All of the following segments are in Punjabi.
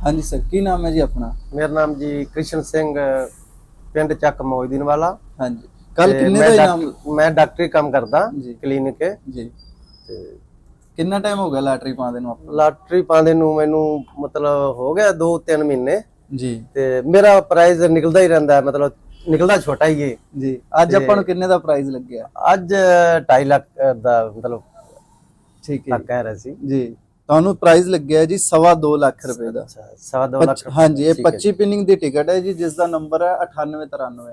हाँ जी सर, की नाम है जी अपना? मेरा नाम जी कृष्ण सिंह, पिंड चक मोहिद्दीन वाला। हाँ जी, कल किन्ने दा इनाम? मैं डॉक्टरी काम करदा जी क्लिनिक के जी। ते कितना टाइम हो गया लॉटरी पाने ਨੂੰ ਆਪਾਂ? ਲਾਟਰੀ ਪਾਉਂਦੇ ਨੂੰ ਮੈਨੂੰ ਮਤਲਬ ਹੋ ਗਿਆ 2-3 ਮਹੀਨੇ ਜੀ ਤੇ ਮੇਰਾ ਪ੍ਰਾਈਜ਼ ਨਿਕਲਦਾ ਹੀ ਰਹਿੰਦਾ, ਮਤਲਬ ਨਿਕਲਦਾ ਛੋਟਾ ਹੀ ਹੈ ਜੀ। ਅੱਜ ਆਪਾਂ ਨੂੰ ਕਿੰਨੇ ਦਾ ਪ੍ਰਾਈਜ਼ ਲੱਗਿਆ? ਅੱਜ 2.5 ਲੱਖ ਦਾ ਮਤਲਬ ਠੀਕ ਹੈ ਕਹਿ ਰਹੇ ਸੀ ਜੀ। ਤੁਹਾਨੂੰ ਪ੍ਰਾਈਜ਼ ਲੱਗਿਆ ਜੀ 2.5 ਲੱਖ ਰੁਪਏ ਦਾ। 2.5 ਲੱਖ। हाँ जी, ये 25 पिनिंग ਦੀ ਟਿਕਟ ਹੈ ਜੀ, ਜਿਸ ਦਾ ਨੰਬਰ ਹੈ 9893।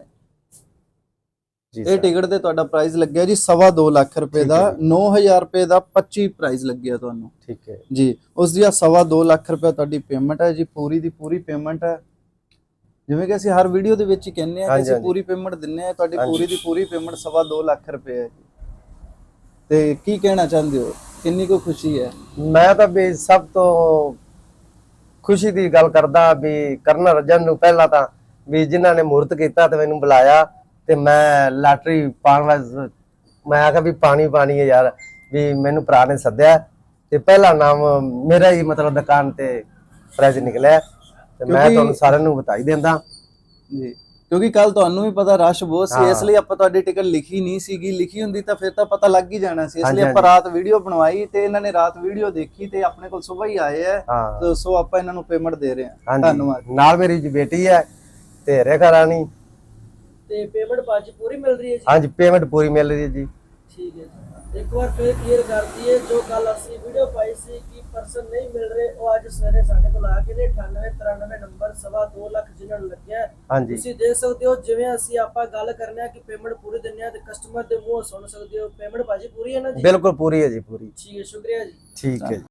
ਇਹ ਟਿਕਟ ਤੇ ਤੁਹਾਡਾ ਪ੍ਰਾਈਜ਼ ਲੱਗਿਆ ਜੀ 2.5 ਲੱਖ ਰੁਪਏ ਦਾ। 9000 ਰੁਪਏ ਦਾ 25 ਪ੍ਰਾਈਜ਼ ਲੱਗਿਆ ਤੁਹਾਨੂੰ। ਠੀਕ ਹੈ ਜੀ। ਉਸ ਦੀ 2.5 ਲੱਖ ਰੁਪਏ ਤੁਹਾਡੀ ਪੇਮੈਂਟ ਹੈ ਜੀ, ਪੂਰੀ ਦੀ ਪੂਰੀ ਪੇਮੈਂਟ ਹੈ। ਜਿਵੇਂ ਕਿ ਅਸੀਂ ਹਰ ਵੀਡੀਓ ਦੇ ਵਿੱਚ ਹੀ ਕਹਿੰਦੇ ਆ ਕਿ ਅਸੀਂ ਪੂਰੀ ਪੇਮੈਂਟ ਦਿੰਨੇ ਆ, ਤੁਹਾਡੀ ਪੂਰੀ ਦੀ ਪੂਰੀ ਪੇਮੈਂਟ 2.5 ਲੱਖ ਰੁਪਏ ਹੈ ਜੀ। ਤੇ ਕੀ ਕਹਿਣਾ ਚਾਹੁੰਦੇ ਹੋ, ਕਿੰਨੀ ਕੋ ਖੁਸ਼ੀ ਹੈ? ਮੈਂ ਤਾਂ ਵੀ ਸਭ ਤੋਂ ਖੁਸ਼ੀ ਦੀ ਗੱਲ ਕਰਦਾ ਵੀ ਕਰਨ ਰਜਨ ਨੂੰ ਪਹਿਲਾਂ ਤਾਂ ਵੀ ਜਿਨ੍ਹਾਂ ਨੇ ਮੂਰਤ ਕੀਤਾ ਤੇ ਮੈਨੂੰ ਬੁਲਾਇਆ ਤੇ ਮੈਂ ਲਾਟਰੀ ਪਾਉਣ ਵਾਸਤੇ ਮੈਂ ਆਖਿਆ ਵੀ ਪਾਣੀ ਹੈ ਯਾਰ, ਵੀ ਮੈਨੂੰ ਭਰਾ ਨੇ ਸੱਦਿਆ ਤੇ ਪਹਿਲਾ ਨਾਮ ਮੇਰਾ ਹੀ ਮਤਲਬ ਦੁਕਾਨ ਤੇ ਪ੍ਰਾਈਜ਼ ਨਿਕਲਿਆ ਤੇ ਮੈਂ ਤੁਹਾਨੂੰ ਸਾਰਿਆਂ ਨੂੰ ਬਤਾਈ ਦਿੰਦਾ ਜੀ। ਕਿਉਂਕਿ ਕੱਲ ਤੁਹਾਨੂੰ ਵੀ ਪਤਾ ਰਸ਼ ਬਹੁਤ ਸੀ, ਇਸ ਲਈ ਆਪਾਂ ਤੁਹਾਡੀ ਟਿਕਟ ਲਿਖੀ ਨਹੀਂ ਸੀਗੀ। ਲਿਖੀ ਹੁੰਦੀ ਤਾਂ ਫਿਰ ਤਾਂ ਪਤਾ ਲੱਗ ਹੀ ਜਾਣਾ ਸੀ, ਇਸ ਲਈ ਆਪਾਂ ਰਾਤ ਵੀਡੀਓ ਬਣਵਾਈ ਤੇ ਇਹਨਾਂ ਨੇ ਰਾਤ ਵੀਡੀਓ ਦੇਖੀ ਤੇ ਆਪਣੇ ਕੋਲ ਸਵੇਰ ਹੀ ਆਏ ਆ। ਸੋ ਆਪਾਂ ਇਹਨਾਂ ਨੂੰ ਪੇਮੈਂਟ ਦੇ ਰਹੇ ਹਾਂ। ਧੰਨਵਾਦ। ਨਾਲ ਮੇਰੀ ਜੀ ਬੇਟੀ ਹੈ ਤੇ ਰੇਖਾ ਰਾਣੀ ਤੇ ਪੇਮੈਂਟ ਬਾਅਦ ਪੂਰੀ ਮਿਲ ਰਹੀ ਹੈ ਜੀ? ਹਾਂਜੀ, ਪੇਮੈਂਟ ਪੂਰੀ ਮਿਲ ਰਹੀ ਹੈ ਜੀ। ਠੀਕ ਹੈ ਜੀ। ਇੱਕ ਵਾਰ ਫਿਰ ਕਲੀਅਰ ਕਰ ਦਈਏ, ਜੋ ਕੱਲ ਅਸੀਂ ਵੀਡੀਓ ਪਾਈ ਸੀ ਕਿ ਪਰਸਨ ਨਹੀਂ ਮਿਲ ਰਹੇ, ਉਹ ਅੱਜ ਸਵੇਰੇ ਸਾਡੇ ਕੋਲ ਆ ਗਏ ਨੇ। 9893 ਨੰਬਰ 2.5 ਲੱਖ ਜਿਨ੍ਹਾਂ ਨੂੰ ਲੱਗਿਆ। ਤੁਸੀਂ ਦੇਖ ਸਕਦੇ ਹੋ, ਜਿਵੇਂ ਅਸੀਂ ਆਪਾਂ ਗੱਲ ਕਰਨੇ ਆ ਕਿ ਪੇਮੈਂਟ ਪੂਰੀ ਦਿੰਨੇ ਆ ਤੇ ਕਸਟਮਰ ਦੇ ਮੂੰਹੋਂ ਸੁਣ ਸਕਦੇ ਹੋ। ਪੇਮੈਂਟ ਭਾਜੀ ਪੂਰੀ ਹੈ ਨਾ ਜੀ? ਬਿਲਕੁਲ ਪੂਰੀ ਹੈ ਜੀ, ਪੂਰੀ। ਠੀਕ ਹੈ, ਸ਼ੁਕਰੀਆ ਜੀ। ਠੀਕ ਹੈ।